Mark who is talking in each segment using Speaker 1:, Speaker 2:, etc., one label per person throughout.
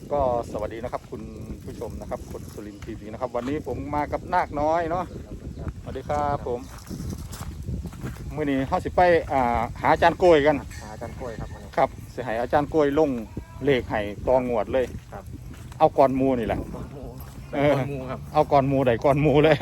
Speaker 1: ก็สวัสดีนะครับคุณผู้ชมนะครับคนสุรินทร์ทีวีนะครับวันนี้ผมมากับนาคน้อยเนาะสวัสดีครับผมมื่อนี้เขาสิไปหาอาจารย์โกยกัน
Speaker 2: หาอาจารย์กล้วยครับ
Speaker 1: ครับสิให้อาจารย์โกยลงเลขให้ตองวดเลย
Speaker 2: ครับ
Speaker 1: เอาก่อนมูนี่แหละ
Speaker 2: ก้อนมูครับ
Speaker 1: เอาก่อนมูใดก่อนมูเลย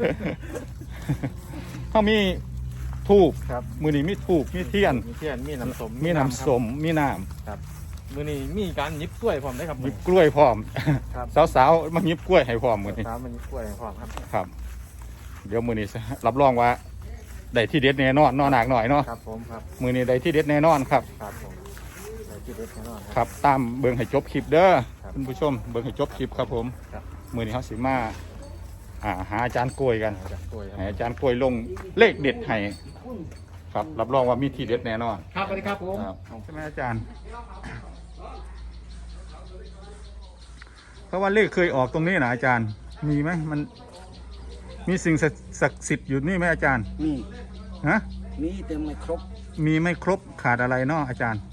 Speaker 1: เขามีทูบ
Speaker 2: ครับ
Speaker 1: มือนี้มีทูบมีเทียน
Speaker 2: มีน้ำส้ม
Speaker 1: มีน้ำส้มมีน้
Speaker 2: ำครับมือนี้มีการยิบกล้วยพร้อมได้ครับ
Speaker 1: ำยิบกล้วยพร้อม
Speaker 2: ครับ
Speaker 1: สาวๆมายิบกล้วยให้พร้อมมือนี้
Speaker 2: สาวมันยิบกล้วยพร้อมครับ
Speaker 1: ครับเดี๋ยวมือนี้รับรองว่าได้ที่เด็ดแน่นอนนอนหนักหน่อยเนาะ
Speaker 2: ครับผมครับ
Speaker 1: มือนี้ได้ที่เด็ดแน่นอนครับ
Speaker 2: ครับผมได้ที่เด็ดแน่นอน
Speaker 1: ครับตามเบิ่งให้จบคลิปเด้อคุณผู้ชมเบิ่งให้จบคลิปครับผมมือนี้เขาสิมาหาอาจารย์กล้วยกันให้อาจารย์กล้วยลงเลขเด็ดให้ครับรับรองว่ามีที่เด็ดแน่นอน
Speaker 2: ครับสวัสดีครับผม
Speaker 1: ใช่ไหมอาจารย์เพราะว่าเลขเคยออกตรงนี้นะอาจารย์มีไหมมันมีสิ่งศักดิ์สิทธิ์อยู่นี่ไหมอาจารย์
Speaker 3: มี
Speaker 1: ฮะ
Speaker 3: มีแต่ไม่ครบ
Speaker 1: มีไม่ครบขาดอะไรเนาะอาจารย์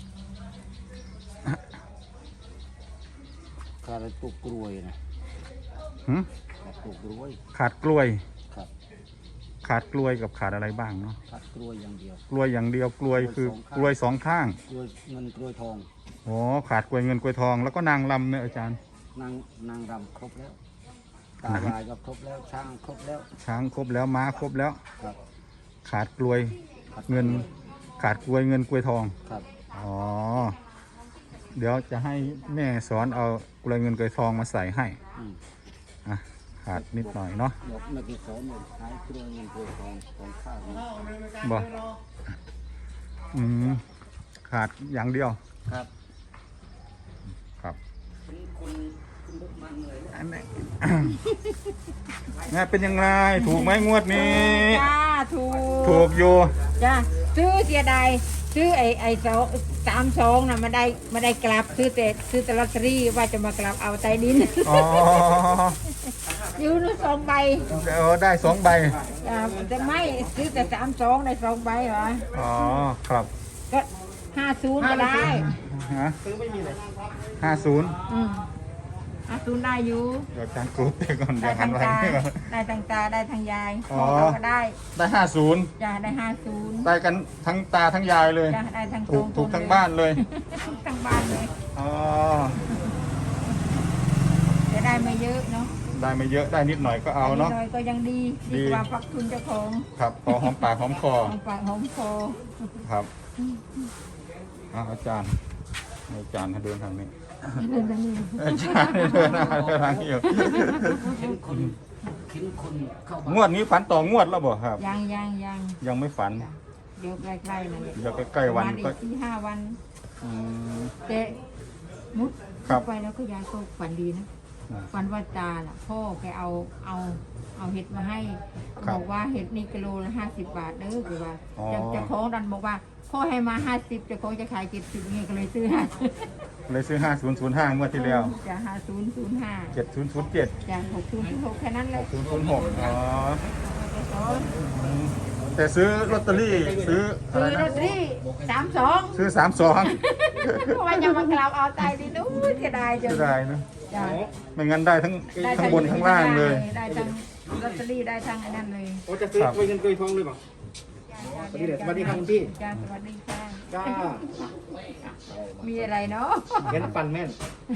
Speaker 3: ขาดตัวกล้วยนะขาดตัวกล้วย
Speaker 1: ขาดกล้วย
Speaker 3: ครับ
Speaker 1: ขาดกล้วยกับขาดอะไรบ้างเนาะ
Speaker 3: ขาดกล้วยอย่างเดียว
Speaker 1: กล้วยอย่างเดียวกล้วยคือกล้วยสองข้าง
Speaker 3: กล้วยเงินกล้วยทอง
Speaker 1: อ๋อขาดกล้วยเงินกล้วยทองแล้วก็นางลำเนี่ยอาจารย์
Speaker 3: นางรำครบแล้วตาลายก็ครบแล้วช้างครบแล้ว
Speaker 1: ช้างครบแล้วม้าครบแล้ว
Speaker 3: ครับ
Speaker 1: ขาดกล้วยเงินขาดกล้วยเงินกล้วยทอง
Speaker 3: ครับ
Speaker 1: อ๋อเดี๋ยวจะให้แม่สอนเอากล้วยเงินกล้วยทองมาใส่ให้ขาดนิดหน่อยเนาะ
Speaker 3: ไม่กี่สอนเลยใช้กล้วยเงินกล้วยทองของข้าว
Speaker 1: บ่ขาดอย่างเดียว
Speaker 3: ครับ
Speaker 1: ครับ
Speaker 3: คุณบุกมันเลย
Speaker 1: อันนี้งานเป็นยังไงถูกไหมงวดนี้
Speaker 4: จ้า
Speaker 1: ถูกอยู่
Speaker 4: จ้าซื้อเสียดายซื้อไอ้32น่ะมาได้กลับซื้อแต่ลอตเตอรี่ว่าจะมากลับเอาใต้ดินอยู่นู่น2 ใบ
Speaker 1: ได้2 ใบ
Speaker 4: แต่ไม่ซื้อแต่32ได้2 ใบเหรอ
Speaker 1: อ๋อครับ
Speaker 4: ก็50ก็ได้
Speaker 2: ซื้อไม่มีเลย
Speaker 4: 50ได้อยู่
Speaker 1: เดี๋ยวจางกรุ๊ปไปก่อน
Speaker 4: ได้ทางตาได้ทางตาได้ทางยายก็ได้
Speaker 1: 50
Speaker 4: จ้าได้50
Speaker 1: ได้กันทั้งตาทั้งยายเลย
Speaker 4: จ้าได้ทั้ง
Speaker 1: ถูกทั้งบ้านเลย
Speaker 4: ทั้งบ้านเลย
Speaker 1: อ๋อ
Speaker 4: จะได้ไม่เยอะเนาะ
Speaker 1: ได้ไม่เยอะได้นิดหน่อยก็เอาเนาะ
Speaker 4: นิดหน่อยก็ยังดีกว่าพักทุนเจ้าของ
Speaker 1: ครับพอหอมปากหอมคอ
Speaker 4: หอมปากหอมคอ
Speaker 1: ครับอาจารย์ให้เดินทางนี้อาจารย์เดินทางนี้อยู่งวดนี้ฝันต่องวดแล้วบ่ครับยังไม่ฝัน
Speaker 4: เดี๋ยวใกล้ๆนั่นแหละ
Speaker 1: เดี๋ยวใกล้ๆวัน
Speaker 4: ก็4-5 วันแต่มุดไปแล้วก็ยายก็ฝันดีนะฝันว่าตาล่ะพ่อแกเอาเห็ดมาให้บอกว่าเห็ดนี่กิโลละ50 บาทเด้อคือว่าเจ้าของดันบอกว่าพ่อให้มา50เจ้าของจะขาย70นี่ก็เลยซื้อ
Speaker 1: 5005งวดที่แล้ว
Speaker 4: จ้ะ5005
Speaker 1: 7007
Speaker 4: จ้ะ6006แค่นั้นเลย
Speaker 1: 6006อ๋อแต่ซื้อลอตเตอรี่ซื้อ
Speaker 4: ลอตเตอรี่32
Speaker 1: ซื้อ
Speaker 4: เพราะว่ายังมากล่าวเอาใจดีนู้นเสียดายจัง
Speaker 1: เสียดายนะไม่งั้นได้ทั้งบนทั้งล่างเลย
Speaker 4: ได้ทั้งลอตเตอรี่ได้ทั้งอันนั้นเลย
Speaker 2: โอ้จะซื้อกล้วยเงินกล้วยทองเลยป่ะสวัสดีครับคุณพี่
Speaker 4: จ้าสวัสดีค่ะ
Speaker 2: จ้า
Speaker 4: มีอะไรเนาะ
Speaker 2: เห็นปันแม่น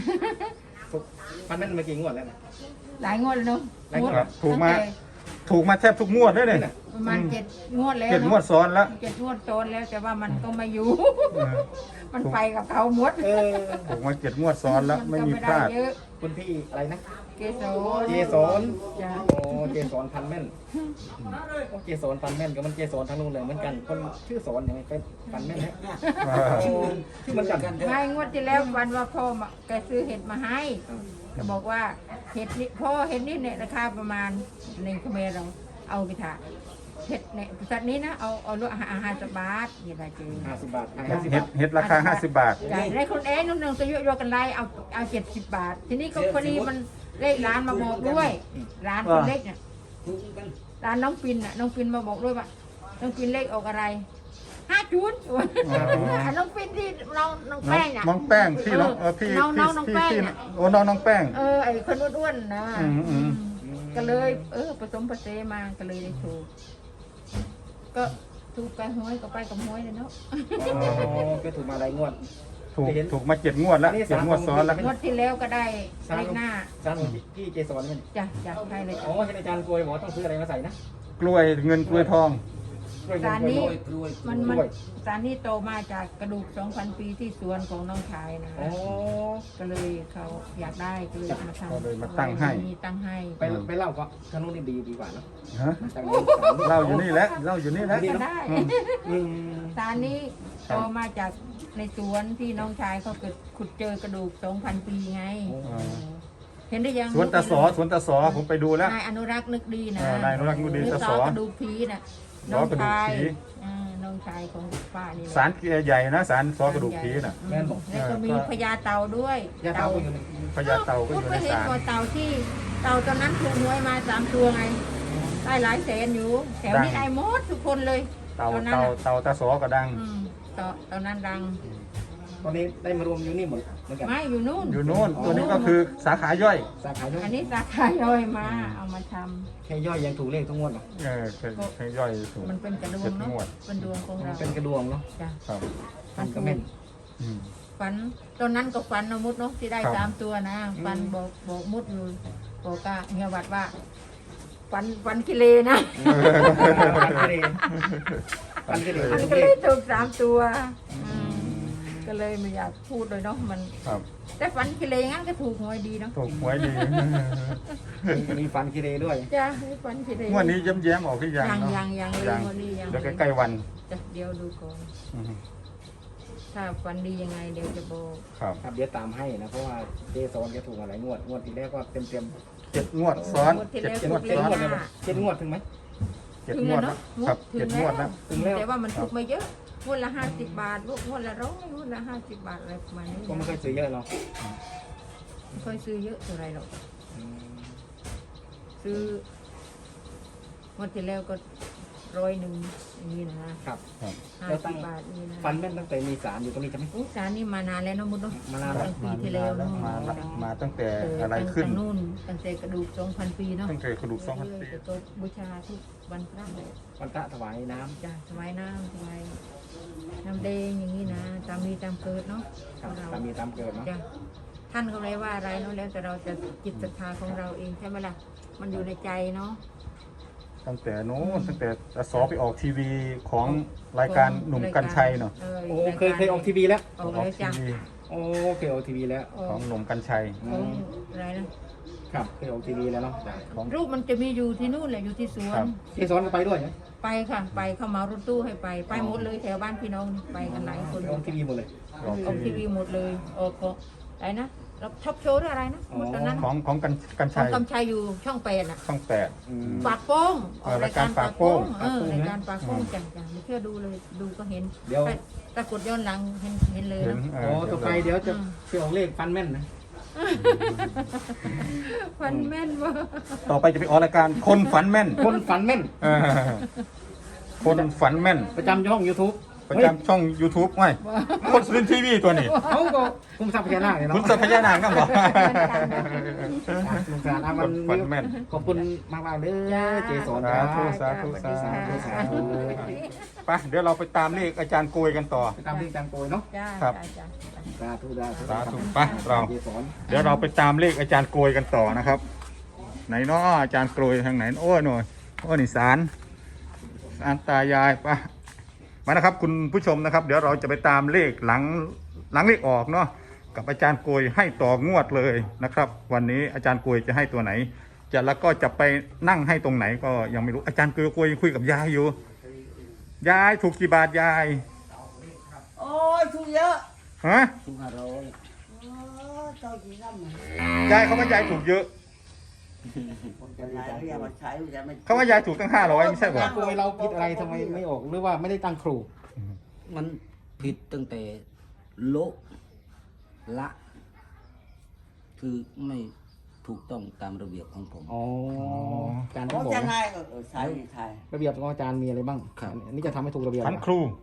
Speaker 2: มากี่งวดแล้ว
Speaker 4: หลายงวดแล้วเนาะ
Speaker 1: ถูกมาแทบทุกงวดได้เลย
Speaker 4: ประมาณ7 งวดแล้ว
Speaker 1: 7 งวดซ้อนแล้ว
Speaker 4: 7 งวดซ้อนแล้วแต่ว่ามันก็ไม่อยู่มันไปกับเขาหมด
Speaker 1: ถูกมา7 งวดซ้อนแล้วไม่มีพลาด
Speaker 2: คุณพี่อะไรนะ
Speaker 4: เกสร
Speaker 2: โอ้เกสรพันแม่นเกสรพันแม่นกับมันเกสรทางนู้นเลยเหมือนกันคนชื่อสอนยังไงเป็นพันแม่นฮะชื่อมันกัน
Speaker 4: ไม่งวดที่แล้ววันว่าพ่อแกซื้อเห็ดมาให้ก็บอกว่าเห็ดนี่พ่อเห็ดนี่เนี่ยราคาประมาณ1 เขมรเราเอาไปถ่ายเห็ดเนี่ยสัตว์นี้นะเอาลด50 บาทเห็ดอะไรจริง
Speaker 2: 50 บาท
Speaker 1: เห็ดราคา50 บาท
Speaker 4: ได้คนนู่นก็ยกกันไล่เอา70 บาททีนี้ก็พอดีมันเลขร้านมาบอกด้วยร้านคนเล็กเนี่ยร้านน้องปินมาบอกด้วยว่าน้องปินเลขออกอะไรน้องปิ้นที่น้องแป้งน่ะ
Speaker 1: น้องแป้งพี่น้องพี่
Speaker 4: น้องแป้งน่ะ
Speaker 1: โอ้น้องแป้ง
Speaker 4: ไอ้คนอ้วนๆนะ
Speaker 1: อืม
Speaker 4: ก็เลยผสมผสานมาก็เลยได้ถูกก็ถูกไปห้วยก็ไปกับห้วยเลยเนาะ
Speaker 2: ก็ถูกมาหลายงวด
Speaker 1: ถูกมา7 งวดแล้ว7 งวดซ้อนแล้ว
Speaker 4: งวดที่แล้วก็ได้เลขหน้า
Speaker 2: จานพี่เจสอนมัน
Speaker 4: จ้ะให้เลย
Speaker 2: อ๋อเห็นอาจารย์กลวยบอกต้องซื้ออะไรมาใส่นะ
Speaker 1: กล้วยเงินกล้วยทอง
Speaker 4: สารนี้มันสารนี้โตมาจากกระดูก 2,000 ปีที่สวนของน้องชายนะ
Speaker 2: อ๋อ
Speaker 4: ก็เลยเขาอยากได้ก็เลยมาทำ
Speaker 1: ก็เลยมาตั้งให้
Speaker 4: มีตั้งให้
Speaker 2: ไปเล่าก็ทางนู้นดีกว่าเนาะ
Speaker 1: ฮะ
Speaker 2: จากนู้น
Speaker 1: เล่าอยู่นี่แหละเล่าอยู่นี่แหละ
Speaker 4: ก็ได้
Speaker 2: อืม
Speaker 4: สารนี้โตมาจากในสวนที่น้องชายเขาเกิดขุดเจอกระดูก 2,000 ปีไง เห็นได้ยัง
Speaker 1: สวนตาสอผมไปดูแล้ว
Speaker 4: นายอนุรักษ์นึกดีนะ
Speaker 1: นายอนุรักษ์นึกดี
Speaker 4: หรือ
Speaker 1: ตา
Speaker 4: ส
Speaker 1: ส
Speaker 4: อ
Speaker 1: อ
Speaker 4: กระดูกผีน่ะ
Speaker 1: สอกระดูกผี
Speaker 4: น้องชายของป้านี่แหละ
Speaker 1: สารใหญ่นะสารซอกระดูกผีน่ะ
Speaker 2: แม่นบอก
Speaker 4: แล้วก็มีพญาเต่าด้วย
Speaker 2: ยาเท้าก็อยู่ใน
Speaker 1: พญาเต่าก็อยู่ใน
Speaker 4: เห็น
Speaker 1: สาร
Speaker 4: ตัวเต่าที่เต่าตอนนั้นถูกหวยมา3 ตัวไงได้หลายแสนอยู่แถวนี้ได้หมดทุกคนเลย
Speaker 1: เต่า
Speaker 4: ตอนนั้นน่ะ
Speaker 1: ตาสอก็ดัง
Speaker 4: ตอนนั้นดัง
Speaker 2: ตอนนี้ได้มารวมอยู่นี่หมดเหมือนกัน
Speaker 4: ไม่อยู่นู่น
Speaker 1: อยู่โน่นตัวนี้ก็คือสาขาย่อย
Speaker 2: สาขาย่อย
Speaker 4: อันนี้สาขาย่อยมาเอามาทำ
Speaker 2: แค่ย่อยยังถูกเลขทุกงวดหรอ
Speaker 1: เป็นย่อยถูก
Speaker 4: มันเป็นกระดวงเนาะ
Speaker 1: 7 งวด
Speaker 4: เป็นดวงของเรา
Speaker 2: เป็นกระดวงเนาะ
Speaker 4: จ้ะ
Speaker 1: ครับ
Speaker 2: ฟันก็แม่น
Speaker 1: อืม
Speaker 4: ฝันตอนนั้นก็ฝันนะมุดเนาะที่ได้
Speaker 1: ครับ
Speaker 4: 3 ตัวนะฝันบอกมุดอยู่บอกกะเฮียวัดว่าฝันกิเลนะ
Speaker 2: ฟันก็เลยฟันก็เลย
Speaker 4: มัน
Speaker 2: ทุก
Speaker 4: ก็
Speaker 2: เล
Speaker 4: เลย
Speaker 2: ข
Speaker 4: ถูก3 ตัวก็เลยไม่อยากพูดเลยเนาะมัน
Speaker 1: ครับ
Speaker 4: แต่ฝันกิเลงั้นก็ถูกหวยดีเนาะ
Speaker 1: ถูกหวยดี
Speaker 2: มีฟันกิเลด้วย
Speaker 4: จ้ะฝันกิเล
Speaker 1: งวดนี้แย้มๆออกที่ยังเนาะ
Speaker 4: ยังเลยงวดนี้ยัง
Speaker 1: เดี๋ยวใกล้ๆวัน
Speaker 4: จ้ะเดี๋ยวดูก่อน
Speaker 1: อืม
Speaker 4: ถ้าฝันดียังไงเดี๋ยวจะบอก
Speaker 1: ครับ
Speaker 2: ครับเดี๋ยวตามให้นะเพราะว่าเจสอนแกถูกมาหลายงวดงวดที่แรกก็เต็ม
Speaker 1: 7 งวดซ้อน 7 งวด
Speaker 2: เจ็ด
Speaker 1: ซ้อน
Speaker 2: งวดเลยมั้ยเจ็ดงวดถึงไหม
Speaker 1: 7 งวดแล้วครับ7 งวดแล้ว
Speaker 2: ถึงแล้ว
Speaker 4: แต่ว่ามันถูกไม่เยอะงวดละ50 บาทงวดละ100งวดละ50 บาทอะไรประมาณนี้
Speaker 2: ก็ไม่เคยซื้อเยอะเนาะ
Speaker 4: ไม่ค่อยซื้อเยอะเท่าไรหรอกซื้องวดที่แล้วก็100อย่างนี้นะครับ 50 บาทนี่นะ
Speaker 2: ฟันแม่นตั้งแต่มีสารอยู่ตรงนี้ใช่ไหม
Speaker 4: อุ๊ยสารนี่มานานแล้วเนาะมุดเนาะ
Speaker 2: มานานแล้ว
Speaker 4: ตั้งปีที่แล้วเนาะ
Speaker 1: มาตั้งแต่อะไรขึ้น
Speaker 4: ตั้งนู่นตั้งแต่กระดูก 2,000 ปีเนาะ
Speaker 1: ตั้งแต่กระดูก2,000 ปี
Speaker 4: จะก็บูชาทุกวันพระเลย
Speaker 2: วันพระถวายน้ำ
Speaker 4: จ้ะถวายน้ำถวายน้ำแดงอย่างนี้นะตามมีตามเกิดเนาะ
Speaker 2: ครับ
Speaker 4: เรา
Speaker 2: ตามมีตามเกิดเนาะ
Speaker 4: จ้ะท่านก็ไม่ว่าอะไรเนาะแล้วแต่เราจะจิตศรัทธาของเราเองใช่ไหมล่ะมันอยู่ในใจเนาะ
Speaker 1: ตั้งแต่โน้นตั้งแต่สอไปออกทีวีของรายการหนุ่มกัญชัยเนาะ
Speaker 2: โอ้เคยออกทีวีแล้ว
Speaker 4: ออก
Speaker 1: ออก
Speaker 4: แล้ว
Speaker 1: ที
Speaker 4: จ้ะ
Speaker 1: วี
Speaker 2: โอ้เคยออกทีวีแล้ว
Speaker 1: ของหนุ่มกัญชัย
Speaker 4: ของอะไรนะครับ
Speaker 2: เคยออกทีวีแล้วเนาะ
Speaker 1: ของ
Speaker 4: รูปมันจะมีอยู่ที่นู่นแหละอยู่ที่สว
Speaker 1: ครั
Speaker 4: น
Speaker 1: บ
Speaker 2: เจสอนก็ไปด้วยไหม
Speaker 4: ไปค่ะไปเข้ามารถตู้ให้ไปหมดเลยแถวบ้านพี่น้องนี่ไปกันหลายคน
Speaker 2: ออกทีวีหมดเลย
Speaker 1: ออก
Speaker 4: ออก
Speaker 1: ที
Speaker 4: ที
Speaker 1: วี
Speaker 4: วีหมดเลยออกของอะไรนะเราชอบโชว์หรืออะไรนะหมดตอนนั้น
Speaker 1: ของกัญ
Speaker 4: ขอ
Speaker 1: ชั
Speaker 4: ง
Speaker 1: ย
Speaker 4: กำชัยอยู่ช่อง8น่ะ
Speaker 1: ช่อง
Speaker 4: ปากโป้งออกรายการปากโป้ง
Speaker 1: ปากโป้ง
Speaker 4: รายการปากโป้งจังไม่เชื่อดูเลยดูก็เห็น
Speaker 2: เดี๋ยว
Speaker 4: ปรากฏย้อนหลังเห็นเลย
Speaker 1: เห็น
Speaker 4: เนาะ
Speaker 1: เอ
Speaker 2: โอ้
Speaker 1: อ
Speaker 2: ต่อไปเดี๋ยวจะเชื่อของเลขฟันแม่นนะ
Speaker 4: ฟันแม่นว่ะ
Speaker 1: ต่อไปจะไปออกรายการคนฝันแม่น
Speaker 2: คนฝันแม่น
Speaker 1: เออคนฝันแม่น
Speaker 2: ประจำช่อง YouTube
Speaker 1: ประจำช่อง YouTube ไว้คนสุรินทร์ทีวีตัวนี้
Speaker 2: เขาก็คุ้มทรัพย์พญานาคเนี่ย
Speaker 1: คุ
Speaker 2: เนาะ
Speaker 1: ณสัพยานางกันบอก
Speaker 2: สงสารอ่ะมัน
Speaker 1: ฝันแม่น
Speaker 2: ขอบคุณมากๆเด้อเจสอน
Speaker 1: สาธุ
Speaker 2: ครับ
Speaker 1: สาธุไปเดี๋ยวเราไปตามเลขอาจารย์โกยกันต่อ
Speaker 2: ไปตามที่จังโกยเนาะ
Speaker 4: จ้า
Speaker 1: ครับ
Speaker 4: จ้า
Speaker 2: สาธุ
Speaker 1: สาธุไปเรา
Speaker 2: เจสอน
Speaker 1: เดี๋ยวเราไปตามเลขอาจารย์โกยกันต่อนะครับ ไหนเนาะอาจารย์โกยทางไหนโอ้ยหน่อยโอ้ยนี่ศาลตายายไปมานะครับคุณผู้ชมนะครับ เดี๋ยวเราจะไปตามเลขหลังเลขออกเนาะกับอาจารย์โกยให้ต่องวดเลยนะครับ วันนี้อาจารย์โกยจะให้ตัวไหน แล้วก็จะไปนั่งให้ตรงไหนก็ยังไม่รู้อาจารย์โกยคุยกับยายอยู่ยายถูกกี่บาทยาย
Speaker 3: โอ้ยถูกเยอะ
Speaker 1: ฮะ
Speaker 3: ถูก500โอ้เจ้าจีน้ำมัน
Speaker 1: ยายเขาว่ายายถูกเยอะ
Speaker 3: จะไหนเรียกมาใช้จะไม่
Speaker 1: เขาว่ายายถูกตั้ง500ไม่ใช่เหรอ
Speaker 2: โกยเราผิดอะไรทำไมไม่ออกหรือว่าไม่ได้ตั้งครู
Speaker 3: มันผิดตั้งแต่โละละ คือไม่ถูกต้องตามระเบียบของผม
Speaker 2: อ๋อการ
Speaker 3: โอ้
Speaker 2: ที่บอก
Speaker 3: จะไง
Speaker 2: นะ
Speaker 3: ใช่ใช่
Speaker 2: ระเบียบของอาจารย์มีอะไรบ้าง
Speaker 3: ครับ
Speaker 2: อันนี้จะทำให้ถูกระเบียบ
Speaker 1: ขันครู
Speaker 2: อ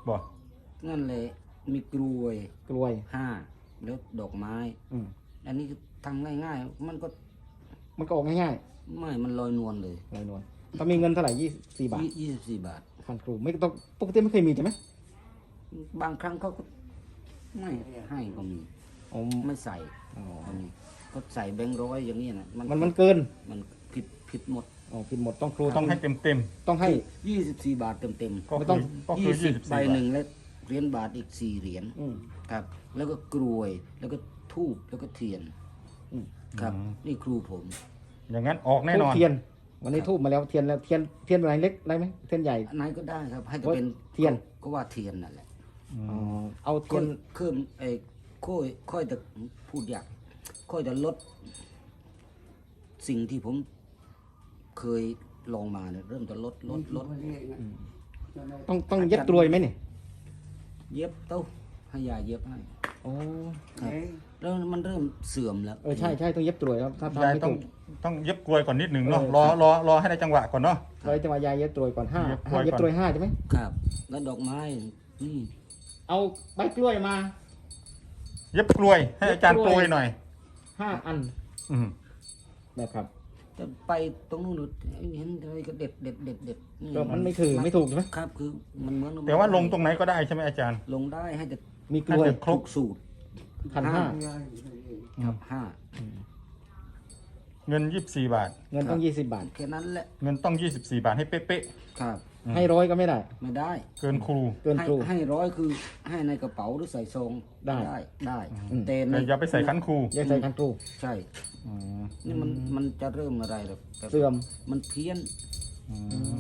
Speaker 1: บ่
Speaker 3: นั่นแหละมีกลวย
Speaker 2: กล้วย
Speaker 3: 5แล้วดอกไม้
Speaker 2: อืม
Speaker 3: อันนี้ทำง่ายๆ มันก็
Speaker 2: มันก็ออกง่าย
Speaker 3: ไม่มันลอยนวลเลย
Speaker 2: ๆลอยนวลถ้ามีเงินเท่าไหร่24 บาท
Speaker 3: 24 บาท
Speaker 2: คันครูไม่ต้องปกติไม่เคยมีใช่ไหม
Speaker 3: บางครั้งเขาก็ไม่ให้ก็มี
Speaker 2: อ๋อ
Speaker 3: ไม่ใส่
Speaker 2: อ๋อ
Speaker 3: ก็มีก็ใส่แบงค์ร้อยอย่างนี้นะ
Speaker 2: มันเกิน
Speaker 3: มันผิดหมด
Speaker 2: อ๋อผิดหมดต้องครู
Speaker 1: ต้องให้เต็ม
Speaker 2: ต้องให้
Speaker 3: 24 บาทเต็ม
Speaker 1: ๆก็
Speaker 2: ไม่
Speaker 1: คื
Speaker 2: ต้
Speaker 1: อ
Speaker 2: อง
Speaker 1: ก็คือ
Speaker 3: 20 ใบหนึ่งและเหรียญบาทอีก4เหรียญ
Speaker 2: อืม
Speaker 3: ครับ แล้วก็กลวยแล้วก็ทูบแล้วก็เทียน
Speaker 2: อืม
Speaker 3: ครับ นี่ครูผม
Speaker 1: อย่างนั้นออกแน่น
Speaker 2: ทู
Speaker 1: อบ น
Speaker 2: เทียน วันนี้ทูบมาแล้วเทียนแล้วเทียนอะไรเล็กอะไรไหมเทียนใหญ่
Speaker 3: อันไหนก็ได้ครับ ให้ก็
Speaker 2: โอ๊ย
Speaker 3: เป็น
Speaker 2: เทียน
Speaker 3: ก็ว่าเทียนนั่นแหละ
Speaker 2: อ๋อเอาเที
Speaker 3: ค่
Speaker 2: ย
Speaker 3: อน ยเพิ่มค่อยจะพูดยากค่อยจะลด สิ่งที่ผมเคยลองมาเนี่ยเริ่มจะลด
Speaker 2: ต้องเย็บกลวยไหมเนี่ย
Speaker 3: เย็บเต้าให้ยาเย็บให้
Speaker 2: อ๋อ
Speaker 3: ครับแล้วมันเริ่มเสื่อมแล้ว
Speaker 2: ใช่ต้องเย็บกลวยครับถ้าทำ
Speaker 1: ยาย
Speaker 2: ไม่
Speaker 1: ต้อ
Speaker 2: ถู
Speaker 1: ง
Speaker 2: ก
Speaker 1: ต้องเย็บกลวยก่อนนิดหนึ่งเนาะ
Speaker 2: เออ
Speaker 1: รอให้ได้จังหวะก่อนเนาะ
Speaker 2: เราจะมายายเย็บกลวยก่อนห้า
Speaker 1: เย็บกลวย
Speaker 2: เย็บ
Speaker 1: ก่อน
Speaker 2: กลวย5ใช่ไหม
Speaker 3: ครับ แล้วดอกไม้นี่
Speaker 2: เอาใบกล้วยมา
Speaker 1: เย็บกลวยให้อาจารย์โปรยหน่อย
Speaker 2: 5 อัน
Speaker 1: อืม
Speaker 2: นะครับ
Speaker 3: จะไปตรงนู้นเห็นอะไรก็เด็ดนี่
Speaker 2: ก็มันไม่ไม่ถูกใช่ไหม
Speaker 3: ครับคือมันเหมือน
Speaker 1: แต่ว่าลงตรงไหนก็ได้ใช่ไหมอาจารย์
Speaker 3: ลงได้ให้จะ
Speaker 2: มีกลวย
Speaker 1: ให้ครบ
Speaker 3: สูตร
Speaker 2: 1,500
Speaker 3: ครับห้า
Speaker 1: เงิน24 บาท
Speaker 2: เงินต้อง20 บาท
Speaker 3: แค่นั้นแหละ
Speaker 1: เงินต้อง24 บาทให้เป๊ะ
Speaker 3: ครับ
Speaker 2: ให้100ก็ไม่ได้
Speaker 3: ไม่ได้
Speaker 1: ๆเกินครู
Speaker 2: เกินครู
Speaker 3: ให้ร้อยคือให้ในกระเป๋าหรือใส่ซอง
Speaker 2: ได้
Speaker 3: ได้
Speaker 2: อืม
Speaker 3: แต่ใน
Speaker 1: แต่อย่าไปใส่คันครู
Speaker 2: แยกใส่คันครู
Speaker 3: ใช่ นี่มันจะเริ่มอะไรแบบ
Speaker 2: เสื่อม
Speaker 3: มันเพี้ยน
Speaker 1: อืม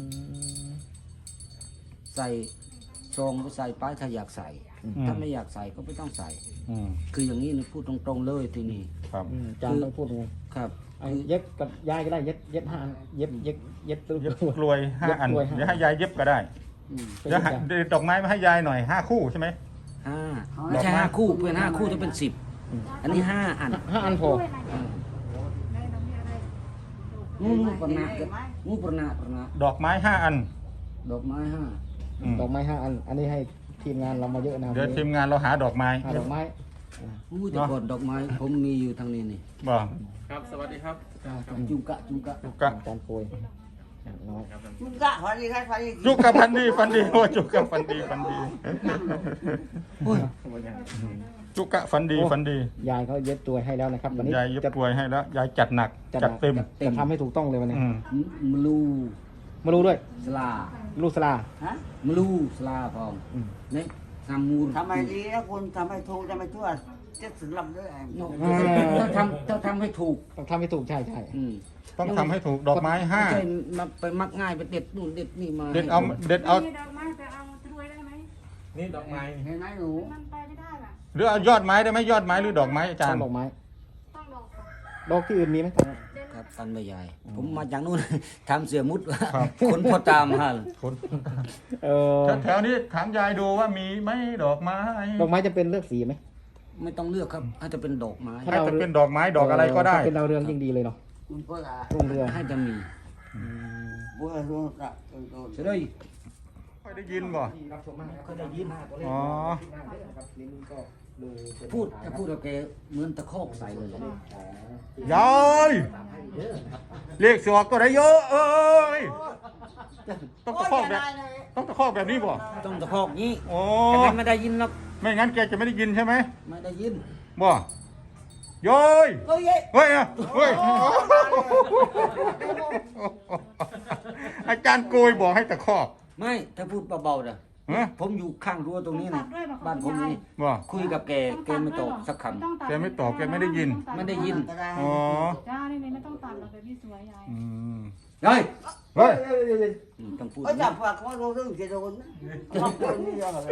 Speaker 3: ใส่ซองก็ใส่ป้ายถ้าอยากใส่ ถ้าไม่อยากใส่ก็ไม่ต้องใส่
Speaker 1: อืม
Speaker 3: คืออย่างนี้นี่พูดตรงๆเลยทีนี้
Speaker 1: ครับ
Speaker 2: จานต้องพูดยังไง
Speaker 3: ครับ
Speaker 2: เอาเย็บกับยายก็ได้เย็บ5 อันเย็บตัว
Speaker 1: เย็บกลวย5 อัน
Speaker 2: เย็บกลวยห้า
Speaker 1: เดี๋ยวให้ยายเย็บก็ได้
Speaker 3: อืม
Speaker 1: เดี๋ยวหาดอกไม้มาให้ยายหน่อย5 คู่ใช่ไหม
Speaker 3: ห้าไม่ใช่
Speaker 1: ดอกไม้
Speaker 3: 5 คู่เป็น5 คู่จะเป็น 10 อันนี้ 5 อัน
Speaker 2: 5 อันพอ
Speaker 3: งูปนางูปนา
Speaker 1: ดอกไม้5 อัน
Speaker 3: ดอกไม้
Speaker 1: อืม
Speaker 2: ดอกไม้5 อัน อันนี้ให้ทีมงานเรามาเยอะนะครับ
Speaker 1: เดี๋ยวทีมงานเราหาดอกไม้
Speaker 2: หาดอกไม้
Speaker 3: 5งูแต่ก่อนดอกไม้ผมมีอยู่ทางนี้นี่
Speaker 1: บ่
Speaker 2: จุกะ
Speaker 1: จุกะ
Speaker 2: จานโปรยน้อย
Speaker 5: จุกะฟันดีครับฟันดี
Speaker 1: จุกะฟันดีโอ้จุกะฟันดี
Speaker 3: โอ้ย
Speaker 1: จุกะฟันดี
Speaker 2: ยายเขาเย็บตัวให้แล้วนะครับวันนี้
Speaker 1: ยายเย็บ
Speaker 2: จะ
Speaker 1: กลวยให้แล้วยายจัดหนักจัดเต็ม
Speaker 2: จะทำให้ถูกต้องเลยวันนี้
Speaker 1: อืม
Speaker 3: มลู
Speaker 2: มารู้ด้วย
Speaker 3: สลา
Speaker 2: ลูกสลา
Speaker 5: ฮะ
Speaker 3: มลูสลาพร้อม
Speaker 2: อืม
Speaker 3: นี่ทำมูล
Speaker 5: ทำไมดีนะคุณทำให้ถูกทำให้ทั่วจะถึงลำด้วย
Speaker 3: ถ้าทำให้ถูก
Speaker 2: ต้องทำให้ถูกใช่
Speaker 3: อืม
Speaker 1: ต้องทำให้ถูกดอกไม้
Speaker 3: ไม่
Speaker 1: ห้า
Speaker 3: ใช่มาไปมักง่ายไปเด็ดนู่นเด็ดนี่มา
Speaker 1: เด็ดเอา
Speaker 3: ให้
Speaker 1: เด็ดเอา
Speaker 6: นี่ดอกไม้แต่เอาตรวยได้ไหม
Speaker 2: นี่ดอกไม้
Speaker 5: เห็นไหมหนู
Speaker 6: มันไปไม่ได้ล่ะ
Speaker 1: หรือเอายอดไม้ได้ไหมยอดไม้หรือดอกไม้อาจารย์
Speaker 2: ดอกไม้
Speaker 6: ต้องดอกค่ะ
Speaker 2: ดอกที่อื่นมีไหม
Speaker 3: ครับตันไม่ใหญ่ ผมมาจากนู่น ทำเสียมุด
Speaker 1: ครับ
Speaker 3: คนพอตามฮะ
Speaker 1: คน
Speaker 2: เออ
Speaker 1: แถวๆนี้ถามยายดูว่ามีไหมดอกไม้
Speaker 2: ดอกไม้จะเป็นเลือกสีไหม
Speaker 3: ไม่ต้องเลือกครับให้จะเป็นดอกไม้
Speaker 1: ให้จะเป็นดอกไม้ดอกอะไรก็ได้
Speaker 2: ถ้าเป็นดาวเรืองยิ่งดีเลยเนาะ
Speaker 5: คุณพ่อละ
Speaker 2: รุ่งเรือง
Speaker 3: ให้จะมี
Speaker 5: บัวรุ่งละต้น
Speaker 3: จะได้
Speaker 1: ค่อยได้ยินบ่
Speaker 3: ก็ได้ยิน
Speaker 1: อ๋อ
Speaker 3: พูดถ้าพูดกับแกเหมือนตะคอกใส่เลย
Speaker 1: ยายเลขสอกก็ได้เยอะเอ้ยต้องตะคอกแบบต้องตะคอกแบบนี้บ่
Speaker 3: ต้องตะคอกงี้
Speaker 1: โอ้
Speaker 3: แต่มันไม่ได้ยินหรอก
Speaker 1: ไม่งั้นแกจะไม่ได้ยินใช่ไหม
Speaker 3: ไม่ได้ยิน
Speaker 1: บ่ยาย
Speaker 5: เฮ้ย
Speaker 1: เฮ้ยอะเฮ้ยอาจารย์โกยบอกให้ตะคอก
Speaker 3: ไม่ถ้าพูดเบาๆนะ
Speaker 1: ฮะ
Speaker 3: ผมอยู่ข้างรั้วตรงนี้นะบ้านผมนี่
Speaker 1: บ่
Speaker 3: คุยกับแกแกไม่ตอบสักค
Speaker 1: แกไม่ตอบแกไม่ได้ยิน
Speaker 3: ไม่ได้ยิน
Speaker 5: ก็ได้
Speaker 1: อ๋อ
Speaker 6: จ้านี่ไม่ต้องตัดหรอกแบบนี้สวยยาย
Speaker 1: อืม
Speaker 3: เฮ้ย
Speaker 1: เฮ้ย
Speaker 3: ต้องพูด
Speaker 5: เอ้ยจับฝากเขาโดนเรื่องจะโดนบางคนนี่ยังอะไร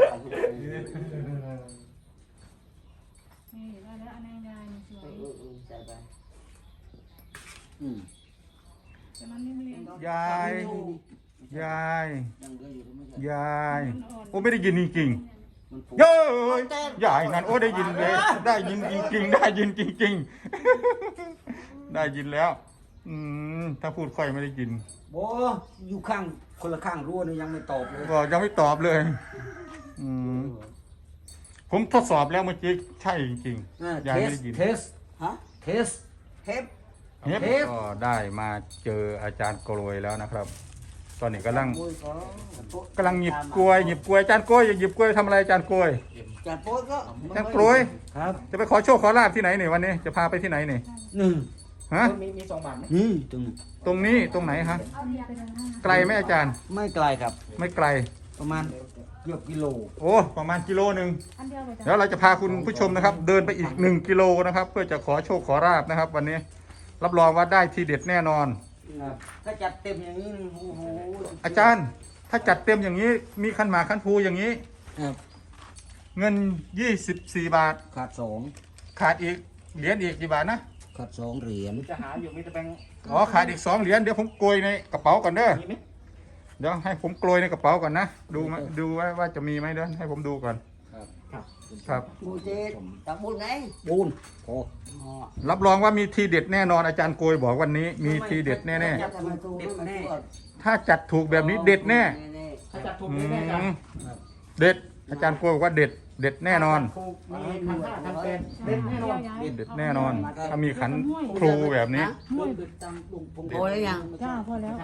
Speaker 6: นี่ได้แล้วอันนี้ยายนี่สวย
Speaker 5: ใส่ไป
Speaker 3: อืม
Speaker 6: แต่มันนิ่มเรียง
Speaker 1: ยายยาย
Speaker 3: ยังเหลืออยู่ไม่ใช่
Speaker 1: ยายโอ้ไม่ได้ยินจริง
Speaker 3: มันผูก
Speaker 1: ๆเย้ยยายนั่นโอ้ได้ยินเลยได้ยินจริงๆได้ยินจริงๆได้ยินแล้ว ถ้าพูดค่อยไม่ได้ยิน
Speaker 3: โบอยู่ข้างคนละข้างรั้วนี่ยังไม่ตอบเลย
Speaker 1: บอกยังไม่ตอบเลย อผมทดสอบแล้วเมื่อกี้ใช่จริงๆยายไม่ได้ยิน
Speaker 3: เทส
Speaker 5: ฮะ
Speaker 3: เทส
Speaker 5: เทป
Speaker 1: เฮ็ดก็ได้มาเจออาจารย์กรวยแล้วนะครับ ตอนนี้กำลังหยิบกล้วยอาจารย์กล้วยหยิบกล้วยทำอะไรอาจารย์กล้วย
Speaker 5: จัดโป๊ยก็
Speaker 1: อาจารย์กล้วย
Speaker 3: ครับ
Speaker 1: จะไปขอโชคขอลาบที่ไหนนี่วันนี้จะพาไปที่ไหนนี่
Speaker 3: หนึ่ง
Speaker 1: ฮะ
Speaker 2: มี2 บาทไหม
Speaker 3: นี่ตรงนี้
Speaker 1: ตรงนี้ตรงไหนฮะไกลไหมอาจารย์
Speaker 3: ไม่ไกลครับ
Speaker 1: ไม่ไกล
Speaker 3: ประมาณเกือบกิโล
Speaker 1: โอ้ประมาณกิโลหนึ่ง
Speaker 6: อันเดียวเลยจ้ะ
Speaker 1: เดี๋ยวเราจะพาคุณผู้ชมนะครับ เดินไปอีก1 กิโลนะครับ เพื่อจะขอโชคขอลาบนะครับ วันนี้รับรองว่าได้ทีเด็ดแน่นอน
Speaker 3: ถ้าจัดเต็มอย่างนี้โอ้โห
Speaker 1: อาจารย์ถ้าจัดเต็มอย่างนี้มีขันหมากขันภูอย่างนี้
Speaker 3: ครับ
Speaker 1: เงิน24 บาท
Speaker 3: ขาดสอง
Speaker 1: ขาดอีกเหรียญอีกกี่บาทนะ
Speaker 3: ขาด2 เหรียญ
Speaker 2: จะหาอยู่มีแต่แบงค์
Speaker 1: อ๋อขาดอีก2 เหรียญเดี๋ยวผมโกยในกระเป๋าก่อนเด้อ
Speaker 2: มีไหม
Speaker 1: เดี๋ยวให้ผมโกยในกระเป๋าก่อนนะดูว่าจะมีไหมเด้อให้ผมดูก่อน
Speaker 3: ครับ
Speaker 1: ครับ
Speaker 5: บูเจตักบุญไง
Speaker 3: ปูนโอ้
Speaker 5: อ๋อ
Speaker 1: รับรองว่ามีทีเด็ดแน่นอนอาจารย์โกยบอกวันนี้มีทีเด็ดแน่
Speaker 5: จัดให้มันถูกให้มันทั่ว
Speaker 1: ๆถ้าจัดถูกแบบนี้เด็ดแน่
Speaker 2: ถ้าจัดถูก
Speaker 1: อื
Speaker 2: นี่แน่จ้ะ
Speaker 1: มเด็ดอาจารย์โกยบอกว่าเด็ดแน่นอน
Speaker 2: ถูกมี1,500 1,800เด็ดแน่นอน
Speaker 1: เด็ดแน่นอน ถ้ามีขันครูแบบนี้
Speaker 6: ห้วย
Speaker 5: โอ้ยยัง
Speaker 6: จ้าพอแล้ว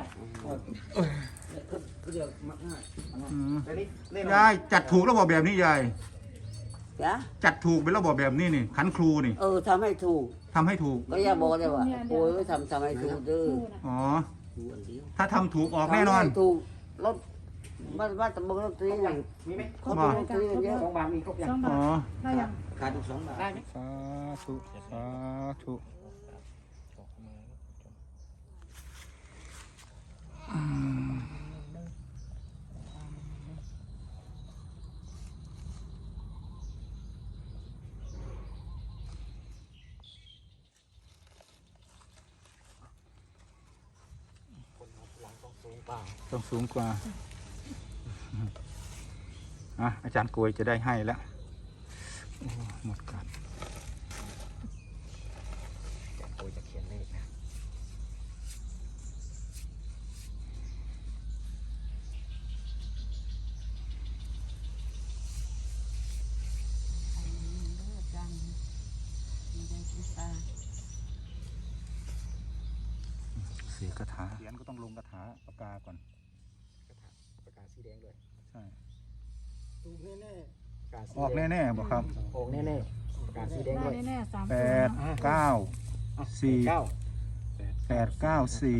Speaker 3: เรียกมากง่าย
Speaker 1: อืม
Speaker 2: แต่นี่แน่นอน
Speaker 1: ยายจัดถูกระบบแบบนี้ยาย
Speaker 5: จ้ะ
Speaker 1: จัดถูกเป็นระบบแบบนี้นี่ขันครูนี่
Speaker 5: ทำให้ถูก
Speaker 1: ทำให้ถูก
Speaker 5: ก็อย่าบอกเลยว่าโอ้ยทำให้ถูกเด้อ
Speaker 1: อ๋อ
Speaker 3: ดูอันเดียว
Speaker 1: ถ้าทำถูกออกแน่นอน
Speaker 5: ทำให้ถูกรถว่าตะบงรถตีอย่าง
Speaker 2: มีไหม
Speaker 5: เขาตีรถตีกันเยอะ
Speaker 2: 2 บาทมีครบยัง
Speaker 6: 2
Speaker 1: อ๋
Speaker 6: บา
Speaker 1: อ
Speaker 6: ทได้ยัง
Speaker 3: ขาดอีก2 บาท
Speaker 2: ได้ไหม
Speaker 1: สาธุสาธุอืมต้องสูงกว่าอาจารย์กวยจะได้ให้แล้วโอ้หมดกัน
Speaker 2: โอ้ยจะเขียนเลขนะ
Speaker 1: เสียคาถาเขียนก็ต้องลงคาถาปากกาก่อน
Speaker 2: ประกาศสีแดงด้วย
Speaker 1: ใช่
Speaker 2: ถูกแน่ๆประกาศสี
Speaker 1: ออก
Speaker 2: แดง
Speaker 1: แน่ๆบอกครับ
Speaker 2: ออกแน่ๆประกาศสีแดง
Speaker 6: ได้
Speaker 2: ด้วย
Speaker 6: แน่ๆ3
Speaker 1: แป
Speaker 6: ตัว
Speaker 1: ดเก้าสี่
Speaker 2: 9
Speaker 1: 894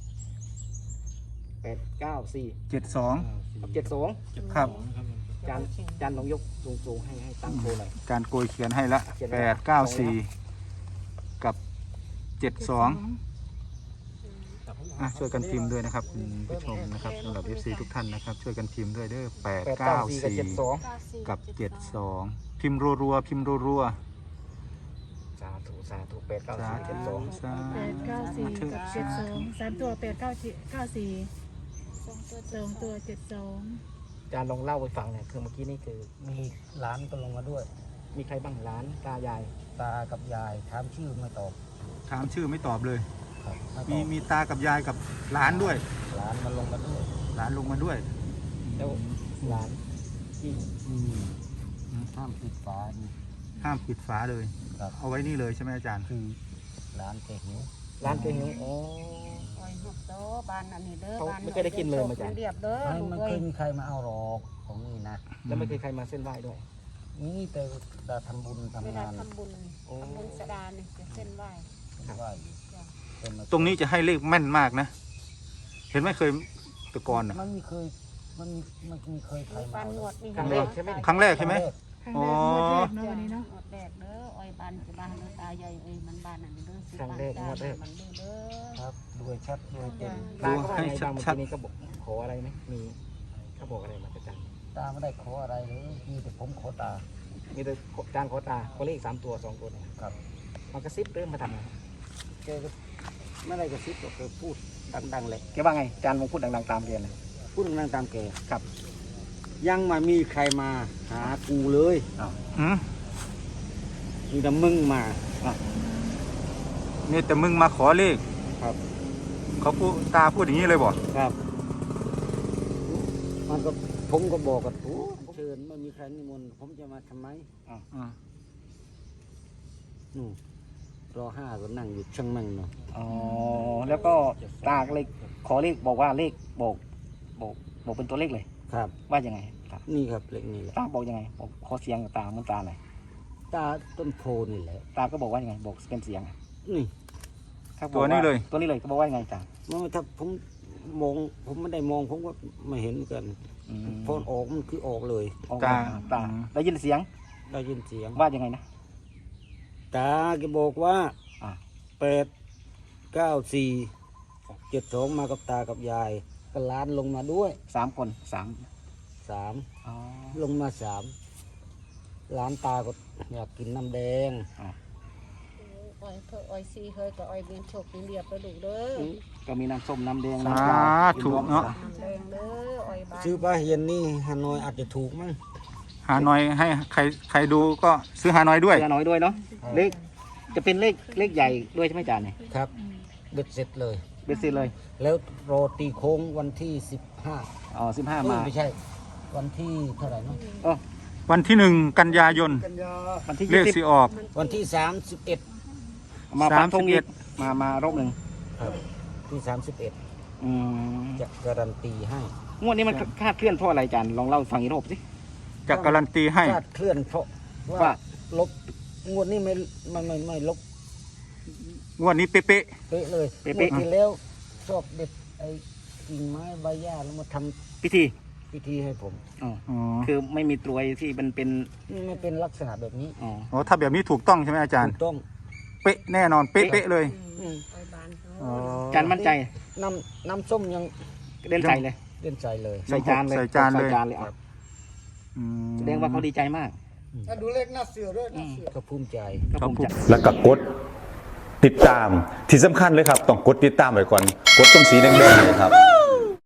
Speaker 2: 894
Speaker 1: 72
Speaker 2: 72
Speaker 1: ครับ
Speaker 2: จานลองยกสูงๆให้ตั้งโชว์หน่อย
Speaker 1: การโกยเขียนให้ละ
Speaker 2: เขียนไว้ละ
Speaker 1: 894 กับ 72ช่วยกันพิมพ์ด้วยนะครับคุณผู้ชมนะครับสำหรับ FC ทุกท่านนะครับ ช่วยกันพิมพ์ด้วยเด้อ
Speaker 2: 894 กับ
Speaker 1: 894 กับ 72 พิมพ์รัวๆพิมพ์รัว
Speaker 2: 72สาธุสาธุ
Speaker 1: ๆสาธุ
Speaker 2: 894
Speaker 1: สา
Speaker 6: 894
Speaker 1: ธุ
Speaker 6: กับ72 3 ตัว 894 2 ตัว 72
Speaker 2: จานลองเล่าไปฟังเนี่ยคือเมื่อกี้นี่คือ
Speaker 3: มีหลานก็ลงมาด้วย
Speaker 2: มีใครบ้างหลานตายาย
Speaker 3: ตากับยายถามชื่อไม่ตอบ
Speaker 1: ถามชื่อไม่ตอบเลย
Speaker 3: ครับไม่ต
Speaker 1: มี
Speaker 3: อบ
Speaker 1: มีตากับยายกับหลานด้วย
Speaker 3: หลานมาลงมาด้วย
Speaker 1: หลานลงมาด้วย
Speaker 2: แล้วหลานที่
Speaker 3: ห้ามปิดฝานี่
Speaker 1: ห้ามปิดฝาเลย
Speaker 3: ครับ
Speaker 1: เอาไว้นี่เลยใช่ไหมอาจารย์
Speaker 3: คือหลานแกหิว
Speaker 2: หลานเก่งนี่อ๋อ
Speaker 7: โอ้ยลูกโตบ้านอันนี้เด้อ
Speaker 2: เขา
Speaker 7: บ้าน
Speaker 2: ไม่เคยได้กินเลยมาจ้ะ
Speaker 7: เรียบเด้อ
Speaker 3: ไม่
Speaker 7: ลูก
Speaker 3: มัน
Speaker 7: เอ้
Speaker 3: เค
Speaker 7: ย
Speaker 3: ยมีใครมาเอาหรอกของนี่นะ
Speaker 2: แล้วไม่เคยใครมาเส้นไหว้ด้วย
Speaker 3: นี่แต่ดาทำบุญ
Speaker 7: เว
Speaker 3: ทำ
Speaker 7: ลาง
Speaker 3: าน
Speaker 7: ทำบุญสดาเนี่ยจะเส้นไหว้
Speaker 3: ไหว้อยู่เป็นมา
Speaker 1: ตรงนี้จะให้เลขแม่นมากนะ เห็นไหมเคยแตะกอนอ่ะ
Speaker 3: มันมีเคยมันมีเคยใคร
Speaker 7: มี
Speaker 3: มา
Speaker 7: ปัน
Speaker 3: เอา
Speaker 7: งวดนี่
Speaker 2: ครั้งแรกใช่ไหม
Speaker 1: ครั้งแรกใช่ไหม
Speaker 6: ครั้งแรกงวดแรกเนาะวันนี้เนาะ
Speaker 7: งวดแรกเด้ออ้อยบ้านจะบ้านเด้อตาใหญ่เอ้ยมันบ้านอันนี้เด้อสิ
Speaker 2: ครั้งแรกงวดแรก
Speaker 7: มันเด้อเด้อ
Speaker 3: ครับด้วยชัดด้วยเต็ม
Speaker 2: ตาก็ว่าไงบางเมื่อกี้นี้ก็บอกขออะไรไหมมีเขาบอกอะไรมาจารย์
Speaker 3: ตาไม่ได้ขออะไรเลยมีแต่ผมขอตา
Speaker 2: มีแต่จานขอตาขอเลข3 ตัว 2 ตัวเนี่ย
Speaker 3: ครับ
Speaker 2: มันกระซิบเริ่มมาทำไง
Speaker 3: แกก็ไม่ได้กระซิบหรอกแกพูดดังๆเลย
Speaker 2: แกว่าไงจานมงพูดดังๆตามเรียนเลย
Speaker 3: พูดดังๆตามแก
Speaker 2: ครับ
Speaker 3: ยังไม่มีใครมาหากูเลย
Speaker 1: อืม
Speaker 3: มีแต่มึงมา
Speaker 1: นี่แต่มึงมาขอเลข
Speaker 3: ครับ
Speaker 1: เขาพูดตาพูดอย่างนี้เลยบอก
Speaker 3: ครับ มันก็ผมก็บอกกับโอ้เชิญไม่มีใครนิมนต์ผมจะมาทำไม
Speaker 1: อ่า
Speaker 3: นู่นรอ5ก็นั่งอยู่ช่างมั่งเนาะ
Speaker 2: อ๋อแล้วก็ตาก็เลยขอเลขบอกว่าเลขบอกเป็นตัวเลขเลย
Speaker 3: ครับ
Speaker 2: ว่ายังไงครับ
Speaker 3: นี่ครับเล็กนี่แหละ
Speaker 2: ตาบอกยังไงบอกขอเสียงกับตาเหมันตาหน่อย
Speaker 3: ตาต้นโพนี่แหละ
Speaker 2: ตาก็บอกว่ายังไงบอกเป็นเสียงอะ
Speaker 3: นี่
Speaker 2: ครับ
Speaker 1: ตัวนี้เลย
Speaker 2: ตัวนี้เลยก็บอกว่ายังไงตา
Speaker 3: ถ้าผมมองผมไม่ได้มองผมก็ไม่เห็นกันพอออกมันคือออกเลย
Speaker 2: ออกมาตาได้ยินเสียง
Speaker 3: ได้ยินเสียง
Speaker 2: ว่ายังไงนะ
Speaker 3: ตาแกบอกว่า
Speaker 2: อ่า
Speaker 3: 8 9 4 7 2มากับตากับยายก็ล้านลงมาด้วย
Speaker 2: 3 คน3
Speaker 3: 3
Speaker 2: อ๋อ
Speaker 3: ลงมา3ล้านตาก็อยากกินน้ำแดง
Speaker 7: อ้อยเธออ้อยซีเฮ้ยก็อ้อยเบียนโชคเรียบแล้วลูกเด้อ
Speaker 2: ก็มีน้ำส้มน้ำแดง
Speaker 1: สา
Speaker 2: น้ำปลา
Speaker 1: ธุเนาะ
Speaker 7: น้ำแดงเด้ออ้อยบ้าน
Speaker 3: ซื้อปลาเฮียนนี่ฮานอยอาจจะถูกมั้ง
Speaker 1: หาหน่อยให้ใครดูก็ซื้อหาหน่อยด้วย
Speaker 2: เสียน้อยด้วยเนาะเลขจะเป็นเลขใหญ่ด้วยใช่ไหมจานเนี่ย
Speaker 3: ครับเบ็ดเสร็จเลย
Speaker 2: เบสซิเลย
Speaker 3: แล้วรอตีโค้งวันที่15
Speaker 2: อ๋อ15
Speaker 3: เอ้ย
Speaker 2: มา
Speaker 3: ไม่ใช่ วันที่เท่าไหร่เนาะ
Speaker 2: อ๋อ
Speaker 1: วันที่1 กันยายน
Speaker 2: วันที่
Speaker 1: เลขสิออก
Speaker 3: วันที่31
Speaker 2: มาปักธงอีกมารอบหนึ่ง
Speaker 3: ครับที่31
Speaker 2: อืม
Speaker 3: จะการันตีให้
Speaker 2: งวดนี้มันคาดเคลื่อนเพราะอะไรจานลองเล่าให้ฟังอีกรอบสิ
Speaker 1: จะการันตีให้
Speaker 3: คลาดเคลื่อนเพราะ
Speaker 2: ว่า
Speaker 3: ว่าลบงวดนี้ไม่ลบ
Speaker 1: งวดนี้เป๊ะ
Speaker 3: เป๊ะเลย
Speaker 2: เป๊ะ
Speaker 3: งวดที่แล้วชอบเด็ดไอ้กิ่งไม้ใบหญ้าแล้วมาทำ
Speaker 2: พิธี
Speaker 3: พิธีให้ผม
Speaker 2: อ๋อ
Speaker 1: ๆอ๋อ
Speaker 2: คือไม่มีตรวยที่มันเป็น
Speaker 3: นี่ไม่เป็นลักษณะแบบนี้
Speaker 2: อ๋อ
Speaker 1: อ๋อถ้าแบบนี้ถูกต้องใช่ไหมอาจารย์
Speaker 3: ถูกต้อง
Speaker 1: เป๊ะแน่นอนเป๊ะๆเลย
Speaker 3: อืม
Speaker 7: อ้อยบ้านเขา
Speaker 1: อ๋อ
Speaker 2: จานมั่นใจ
Speaker 3: น้ำส้มยัง
Speaker 2: เล่นใจเลย
Speaker 3: เล่นใจเลย
Speaker 2: ใส่จานเลย
Speaker 1: ใส่จานเลย
Speaker 2: ใส่จานเลยอ่ะ
Speaker 1: อืม
Speaker 2: แสดงว่าเขาดีใจมาก
Speaker 3: ดูเลขหน้าเสือด้วยก็ภูมิใจ
Speaker 2: ก็ภูมิใจ
Speaker 8: แล้วก็กดติดตามที่สำคัญเลยครับ ต้องกดติดตามไว้ก่อน กดตรงสีแดงๆเลยครับ